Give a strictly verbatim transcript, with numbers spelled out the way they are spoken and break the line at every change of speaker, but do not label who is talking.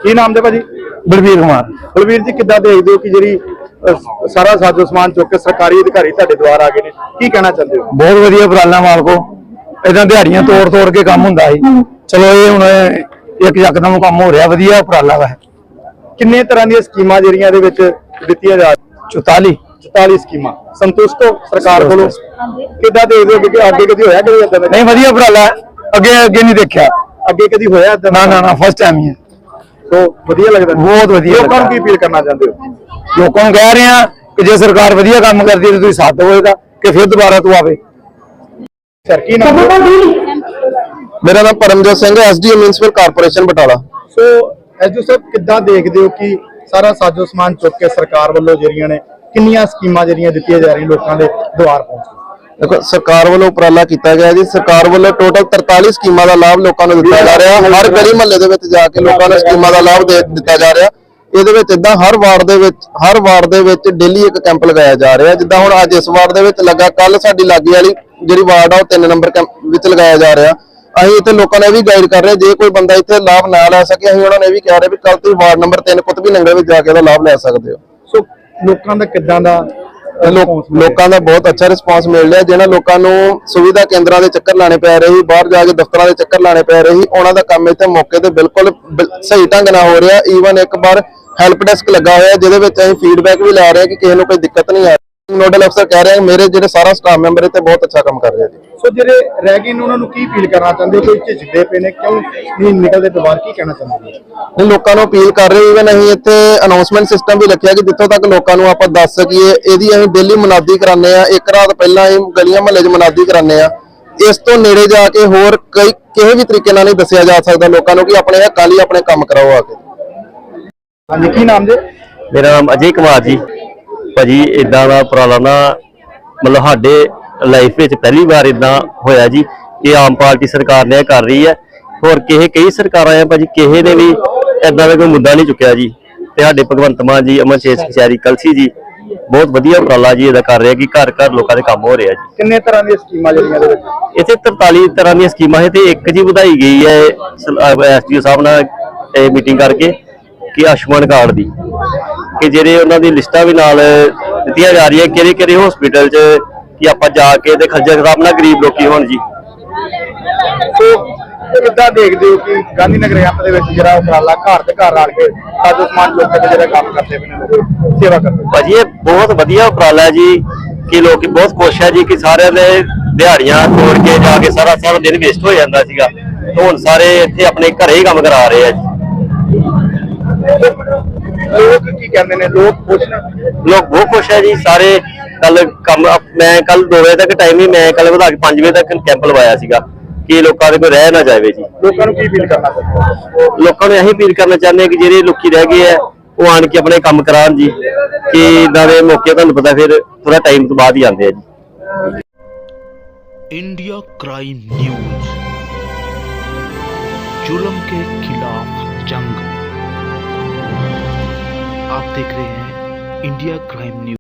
ਕੀ ਨਾਮ ਦੇ ਭਾਜੀ?
ਬਲਵੀਰ ਕੁਮਾਰ।
ਬਲਵੀਰ ਜੀ, ਕਿੱਦਾਂ ਦੇਖਦੇ ਹੋ ਕਿ ਜਿਹੜੀ ਅਹ, ਸਾਰਾ ਸਾਜੋ ਸਮਾਨ ਚੁੱਕ ਕੇ ਸਰਕਾਰੀ ਅਧਿਕਾਰੀ ਤੁਹਾਡੇ ਦੁਆਰ ਆ ਗਏ ਨੇ, ਕੀ ਕਹਿਣਾ ਚਾਹੁੰਦੇ ਹੋ?
ਬਹੁਤ ਵਧੀਆ ਉਪਰਾਲਾ ਮਾਲਕੋ। ਇਦਾਂ ਦਿਹਾੜੀਆਂ ਤੋੜ ਤੋੜ ਕੇ ਕੰਮ ਹੁੰਦਾ ਸੀ, ਚਲੋ ਇਹ ਹੁਣ ਇੱਕ ਯਕਦਮ ਕੰਮ ਹੋ ਰਿਹਾ, ਵਧੀਆ ਉਪਰਾਲਾ ਵਾ।
ਕਿੰਨੇ ਤਰ੍ਹਾਂ ਦੀਆਂ ਸਕੀਮਾਂ ਜਿਹੜੀਆਂ ਇਹਦੇ ਵਿੱਚ ਦਿੱਤੀਆਂ ਜਾ
ਚੁਤਾਲੀ
ਚੁਤਾਲੀ ਸਕੀਮਾਂ, ਸੰਤੁਸ਼ਟ ਹੋ ਸਰਕਾਰ ਕੋਲੋਂ? ਕਿੱਦਾਂ ਦੇਖਦੇ ਹੋ ਕਿ ਅੱਗੇ ਕਦੀ ਹੋਇਆ ਕਦੇ ਏਦਾਂ ਦਾ?
ਨਹੀਂ, ਵਧੀਆ ਉਪਰਾਲਾ, ਅੱਗੇ ਅੱਗੇ ਨਹੀਂ ਦੇਖਿਆ,
ਅੱਗੇ ਕਦੀ ਹੋਇਆ ਏਦਾਂ?
ਨਾ ਨਾ ਨਾ, ਫਸਟ ਟਾਈਮ ਹੀ ਹੈ।
ਸੋ ਵਧੀਆ ਲੱਗਦਾ,
ਬਹੁਤ ਵਧੀਆ।
ਲੋਕਾਂ ਨੂੰ ਕੀ ਅਪੀਲ ਕਰਨਾ ਚਾਹੁੰਦੇ ਹੋ?
ਲੋਕਾਂ ਨੂੰ ਕਹਿ ਰਹੇ ਆ ਕਿ ਜੇ ਸਰਕਾਰ ਵਧੀਆ ਕੰਮ ਕਰਦੀ ਹੈ ਤਾਂ ਤੁਸੀਂ ਸਾਥ ਦਿਓ ਇਹਦਾ, ਕਿ ਫਿਰ ਦੁਬਾਰਾ ਤੂੰ ਆਵੇ।
ਸਰ ਕੀ ਨਾਮ?
ਮੇਰਾ ਨਾਮ ਪਰਮਜੋਤ ਸਿੰਘ ਹੈ, SDO municipal corporation Batala.
So ਐਜੂ ਸਾਹਿਬ, ਕਿੱਦਾਂ ਦੇਖਦੇ ਹੋ ਕਿ ਸਾਰਾ ਸਾਜੋ ਸਮਾਨ ਚੁੱਕ ਕੇ ਸਰਕਾਰ ਵੱਲੋਂ ਜਿਹੜੀਆਂ ਨੇ ਕਿੰਨੀਆਂ ਸਕੀਮਾਂ ਜਿਹੜੀਆਂ ਦਿੱਤੀਆਂ ਜਾ ਰਹੀਆਂ ਲੋਕਾਂ ਦੇ ਦੁਆਰ ਪਹੁੰਚ?
ਦੇਖੋ, ਸਰਕਾਰ ਵੱਲੋਂ ਉਪਰਾਲਾ ਕੀਤਾ ਗਿਆ ਜੀ। ਸਰਕਾਰ ਵੱਲੋਂ ਟੋਟਲ ਤਰਤਾਲੀ ਸਕੀਮਾਂ ਦਾ ਲਾਭ ਲੋਕਾਂ ਨੂੰ ਦਿੱਤਾ ਜਾ ਰਿਹਾ। ਹਰ ਗਲੀ ਮੁਹੱਲੇ ਦੇ ਵਿੱਚ ਜਾ ਕੇ ਲੋਕਾਂ ਨੂੰ ਸਕੀਮਾਂ ਦਾ ਲਾਭ ਦੇ ਦਿੱਤਾ ਜਾ ਰਿਹਾ। ਇਹਦੇ ਵਿੱਚ ਇਦਾਂ ਹਰ ਵਾਰਡ ਦੇ ਵਿੱਚ ਹਰ ਵਾਰਡ ਦੇ ਵਿੱਚ ਡੇਲੀ ਇੱਕ ਕੈਂਪ ਲਗਾਇਆ ਜਾ ਰਿਹਾ। ਜਿੱਦਾਂ ਹੁਣ ਅੱਜ ਇਸ ਵਾਰਡ ਦੇ ਵਿੱਚ ਲੱਗਾ, ਕੱਲ ਸਾਡੀ ਲਾਗੇ ਵਾਲੀ ਜਿਹੜੀ ਵਾਰਡ ਆ ਉਹ ਤਿੰਨ ਨੰਬਰ ਕੈਂਪ ਵਿੱਚ ਲਗਾਇਆ ਜਾ ਰਿਹਾ। ਅਸੀਂ ਇੱਥੇ ਲੋਕਾਂ ਨੇ ਵੀ ਗਾਈਡ ਕਰ ਰਹੇ, ਜੇ ਕੋਈ ਬੰਦਾ ਇੱਥੇ ਲਾਭ ਨਾ ਲੈ ਸਕੇ ਅਸੀਂ ਉਹਨਾਂ ਨੇ ਵੀ ਕਹਿ ਰਹੇ ਵੀ ਕੱਲ ਤੁਸੀਂ ਵਾਰਡ ਨੰਬਰ ਤਿੰਨ ਕੁਤਬੀ ਨੰਗਲ ਵਿੱਚ ਜਾ ਕੇ ਉਹਦਾ ਲਾਭ ਲੈ ਸਕਦੇ ਹੋ।
ਸੋ ਲੋਕਾਂ ਦਾ ਕਿੱਦਾਂ ਦਾ
ਲੋਕਾਂ ਦਾ ਬਹੁਤ ਅੱਛਾ ਰਿਸਪਾਂਸ ਮਿਲ ਰਿਹਾ। ਜਿਹਨਾਂ ਲੋਕਾਂ ਨੂੰ ਸੁਵਿਧਾ ਕੇਂਦਰਾਂ ਦੇ ਚੱਕਰ ਲਾਣੇ ਪੈ ਰਹੇ ਸੀ, ਬਾਹਰ ਜਾ ਕੇ ਦਫ਼ਤਰਾਂ ਦੇ ਚੱਕਰ ਲਾਣੇ ਪੈ ਰਹੇ ਸੀ, ਉਹਨਾਂ ਦਾ ਕੰਮ ਇੱਥੇ ਮੌਕੇ ਤੇ ਬਿਲਕੁਲ ਸਹੀ ਢੰਗ ਨਾਲ ਹੋ ਰਿਹਾ। ਈਵਨ ਇੱਕ ਵਾਰ ਹੈਲਪ ਡੈਸਕ ਲੱਗਾ ਹੋਇਆ ਜਿਹਦੇ ਵਿੱਚ ਅਸੀਂ ਫੀਡਬੈਕ ਵੀ ਲੈ ਰਹੇ ਹਾਂ ਕਿ ਕਿਸੇ ਨੂੰ ਕੋਈ ਦਿੱਕਤ ਨਹੀਂ ਆ ਰਹੀ। ਨੋਡਲ ਅਫਸਰ ਕਹਿ ਰਹੇ ਮੇਰੇ ਜਿਹੜੇ ਸਾਰਾ ਸਟਾਫ ਮੈਂਬਰ ਇੱਥੇ ਬਹੁਤ ਅੱਛਾ ਕੰਮ ਕਰ ਰਿਹਾ ਜੀ।
ਸੋ ਜਿਹੜੇ ਰਹਿ ਗਏ ਨੇ ਉਹਨਾਂ ਨੂੰ ਕੀ ਅਪੀਲ ਕਰਨਾ ਚਾਹੁੰਦੇ ਹੋ? ਕੋਈ ਝਿਜਕਦੇ ਪਏ ਨੇ, ਕਿਉਂ ਨਹੀਂ ਨਿਕਲਦੇ ਦੁਬਾਰ, ਕੀ ਕਹਿਣਾ ਚਾਹੁੰਦੇ ਹੋ?
ਨਹੀਂ, ਲੋਕਾਂ ਨੂੰ ਅਪੀਲ ਕਰ ਰਹੇ ਇਵਨ ਅਸੀਂ ਇੱਥੇ ਅਨਾਉਂਸਮੈਂਟ ਸਿਸਟਮ ਵੀ ਰੱਖਿਆ ਕਿ ਜਿੱਥੋਂ ਤੱਕ ਲੋਕਾਂ ਨੂੰ ਆਪਾਂ ਦੱਸ ਸਕੀਏ। ਇਹਦੀ ਅਸੀਂ ਡੇਲੀ ਮੁਨਾਦੀ ਕਰਾਉਂਦੇ ਆ, ਇੱਕ ਰਾਤ ਪਹਿਲਾਂ ਅਸੀਂ ਗਲੀਆਂ ਮੁਹੱਲੇ 'ਚ ਮੁਨਾਦੀ ਕਰਾਉਂਦੇ ਆ। ਇਸ ਤੋਂ ਨੇੜੇ ਜਾ ਕੇ ਹੋਰ ਕਈ ਕਿਸੇ ਵੀ ਤਰੀਕੇ ਨਾਲ ਨਹੀਂ ਦੱਸਿਆ ਜਾ ਸਕਦਾ ਲੋਕਾਂ ਨੂੰ ਕਿ ਆਪਣੇ ਹੱਕਾਂ ਲਈ ਆਪਣੇ ਕੰਮ ਕਰਾਓ ਆ ਕੇ।
ਹਾਂਜੀ, ਕੀ ਨਾਮ ਜੀ?
ਮੇਰਾ ਨਾਮ ਅਜੇ ਕੁਮਾਰ ਜੀ। ਭਾਜੀ, ਇਦਾਂ ਦਾ ਉਪਰਾਲਾ ਨਾ ਮਤਲਬ ਸਾਡੇ ਲਾਈਫ ਵਿੱਚ ਪਹਿਲੀ ਵਾਰ ਇਦਾਂ ਹੋਇਆ ਜੀ। ਇਹ ਆਮ ਪਾਰਟੀ ਸਰਕਾਰ ਨੇ ਕਰ ਰਹੀ ਹੈ। ਹੋਰ ਕਿਸੇ ਕਈ ਸਰਕਾਰਾਂ ਆ ਭਾਜੀ, ਕਿਸੇ ਨੇ ਵੀ ਇਦਾਂ ਦਾ ਕੋਈ ਮੁੱਦਾ ਨਹੀਂ ਚੁੱਕਿਆ ਜੀ। ਤੇ ਸਾਡੇ ਭਗਵੰਤ ਮਾਨ ਜੀ, ਅਮਨ ਸ਼ੇਖ ਕਚਹਿਰੀ ਕਲਸੀ ਜੀ ਬਹੁਤ ਵਧੀਆ ਉਪਰਾਲਾ ਜੀ ਇਹਦਾ ਕਰ ਰਿਹਾ ਕਿ ਘਰ ਘਰ ਲੋਕਾਂ ਦੇ ਕੰਮ ਹੋ ਰਿਹਾ ਜੀ।
ਕਿੰਨੇ ਤਰ੍ਹਾਂ ਦੀਆਂ ਸਕੀਮਾਂ ਜਿਹੜੀਆਂ ਇਹਦੇ ਵਿੱਚ?
ਇੱਥੇ ਤਰਤਾਲੀ ਤਰ੍ਹਾਂ ਦੀਆਂ ਸਕੀਮਾਂ ਹੈ ਤੇ ਇੱਕ ਜੀ ਵਧਾਈ ਗਈ ਹੈ ਐਸਡੀਓ ਸਾਹਿਬ ਨਾਲ ਇਹ ਮੀਟਿੰਗ ਕਰਕੇ ਕਿ ਆਯੁਸ਼ਮਾਨ ਕਾਰਡ ਦੀ, ਕਿ ਜਿਹੜੇ ਉਹਨਾਂ ਦੀ ਲਿਸਟਾਂ ਵੀ ਨਾਲ ਦਿੱਤੀਆਂ ਜਾ ਰਹੀਆਂ ਕਿਹੜੇ ਕਿਹੜੇ ਹਸਪੀਟਲ 'ਚ ਕਿ ਆਪਾਂ ਜਾ ਕੇ ਤੇ ਖੱਜਲ ਖਰਾਬ ਨਾ ਗਰੀਬ ਲੋਕੀ ਹੋਣ ਜੀ।
ਸੋ ਕਿੱਦਾਂ ਦੇਖਦੇ ਹੋ ਕਿ ਗਾਂਧੀ ਨਗਰ ਐਪ ਦੇ ਵਿੱਚ ਜਿਹੜਾ ਉਪਰਾਲਾ ਘਰ ਤੇ ਘਰ ਆਣ ਕੇ ਸਾਜੋ ਸਮਾਨ ਚੁੱਕ ਕੇ ਜਿਹੜਾ ਕੰਮ ਕਰਦੇ ਪਏ ਨੇ ਲੋਕ, ਸੇਵਾ ਕਰਦੇ?
ਭਾਜੀ, ਇਹ ਬਹੁਤ ਵਧੀਆ ਉਪਰਾਲਾ ਹੈ ਜੀ ਕਿ ਲੋਕੀ ਬਹੁਤ ਖੁਸ਼ ਹੈ ਜੀ ਕਿ ਸਾਰਿਆਂ ਦੇ ਦਿਹਾੜੀਆਂ ਤੋੜ ਕੇ ਜਾ ਕੇ ਸਾਰਾ ਸਾਰਾ ਦਿਨ ਵੇਸਟ ਹੋ ਜਾਂਦਾ ਸੀਗਾ। ਹੁਣ ਸਾਰੇ ਇੱਥੇ ਆਪਣੇ ਘਰੇ ਹੀ ਕੰਮ ਕਰਾ ਰਹੇ ਆ ਜੀ।
ਲੋਕ ਕੀ ਕਹਿੰਦੇ ਨੇ? ਲੋਕ ਖੁਸ਼ ਨੇ?
ਲੋਕ ਬਹੁਤ ਖੁਸ਼ ਹੈ ਜੀ ਸਾਰੇ। ਕੱਲ ਕੰਮ ਮੈਂ ਕੱਲ ਦੋ ਵਜੇ ਤੱਕ ਟਾਈਮ ਹੀ ਮੈਂ ਕੱਲ ਵਧਾ ਕੇ ਪੰਜ ਵਜੇ ਤੱਕ ਕੈਂਪ ਲਵਾਇਆ ਸੀਗਾ ਕਿ ਲੋਕਾਂ ਦੇ ਕੋਈ ਰਹਿ ਨਾ ਜਾਵੇ ਜੀ।
ਲੋਕਾਂ ਨੂੰ ਕੀ ਅਪੀਲ ਕਰਨਾ ਚਾਹੁੰਦੇ?
ਲੋਕਾਂ ਨੂੰ ਇਹੀ ਅਪੀਲ ਕਰਨਾ ਚਾਹੁੰਦੇ ਕਿ ਜਿਹੜੇ ਲੋਕੀ ਰਹਿ ਗਏ ਆ ਉਹ ਆਣ ਕੇ ਆਪਣੇ ਕੰਮ ਕਰਾਉਣ ਜੀ, ਕਿ ਇਦਾਂ ਦੇ ਮੌਕੇ ਤੁਹਾਨੂੰ ਪਤਾ ਫਿਰ ਥੋੜਾ ਟਾਈਮ ਤੋਂ ਬਾਅਦ ਹੀ ਆਉਂਦੇ ਆ ਜੀ।
इंडिया क्राइम न्यूज, जुल्म के खिलाफ जंग। आप देख रहे हैं इंडिया क्राइम न्यूज।